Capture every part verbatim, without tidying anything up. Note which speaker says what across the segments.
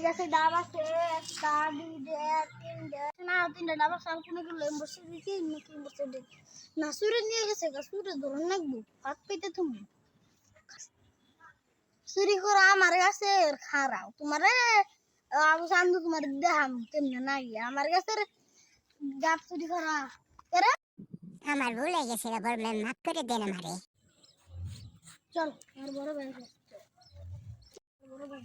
Speaker 1: গাছে ডাব আছে একটা দুইটা তিনটা না তিনটা ডাব আছে আর কোনো গুলো বসে দিকে নাকি বসে দিকে না সুরে নিয়ে গেছে গা সুরে ধরন লাগবো হাত পেতে তুমি চুরি করা আমার কাছে খারাপ তোমার আবু সান্দু তোমার দেহাম কেমনে নাই আমার কাছে ডাব চুরি করা
Speaker 2: আমার ভুল হয়ে গেছিল বড় ম্যাম মাফ করে দেন আমারে
Speaker 1: চল আর বড় ভাই বড় ভাই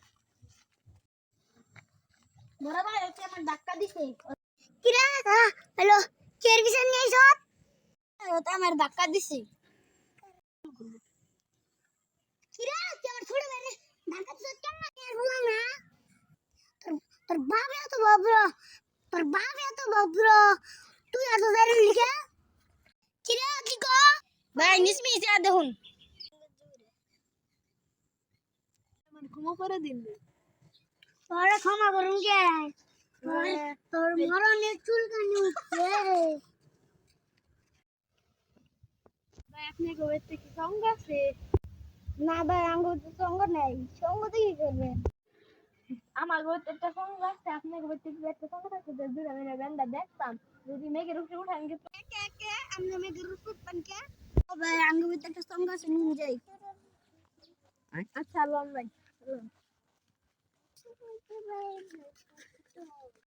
Speaker 1: বড় ভাই ওকে আমার ধাক্কা দিছে কি রে হ্যালো কের বিছান নিয়ে আইছ ওটা আমার ধাক্কা দিছে কি রে তুই আমার ছোট ভাই ধাক্কা দিছ কেন আর বললাম না তোর তোর বাপ এত বাবর তোর বাপ এত বাবর তুই এত জানি লিখে কি রে কি কো ভাই নিসমি যা দেখুন আমার ক্ষমা করে দিন তোরে ক্ষমা করুন কে তোর মরণের চুলকানি উঠছে ভাই আপনি গোবেতে কি সঙ্গ আছে না ভাই আঙ্গুর তো সঙ্গ নাই সঙ্গ তো কি করবেন আমার গোবেতে একটা সঙ্গ আছে আপনি গোবেতে কি একটা সঙ্গ আছে দুই আমি গান্ডা দেখতাম যদি মেঘের উপরে উঠান কে কে কে আমি মেঘের উপরে উঠান কে ও ভাই আঙ্গুর গোবেতে একটা সঙ্গ আছে নিয়ে যাই আচ্ছা লন ভাই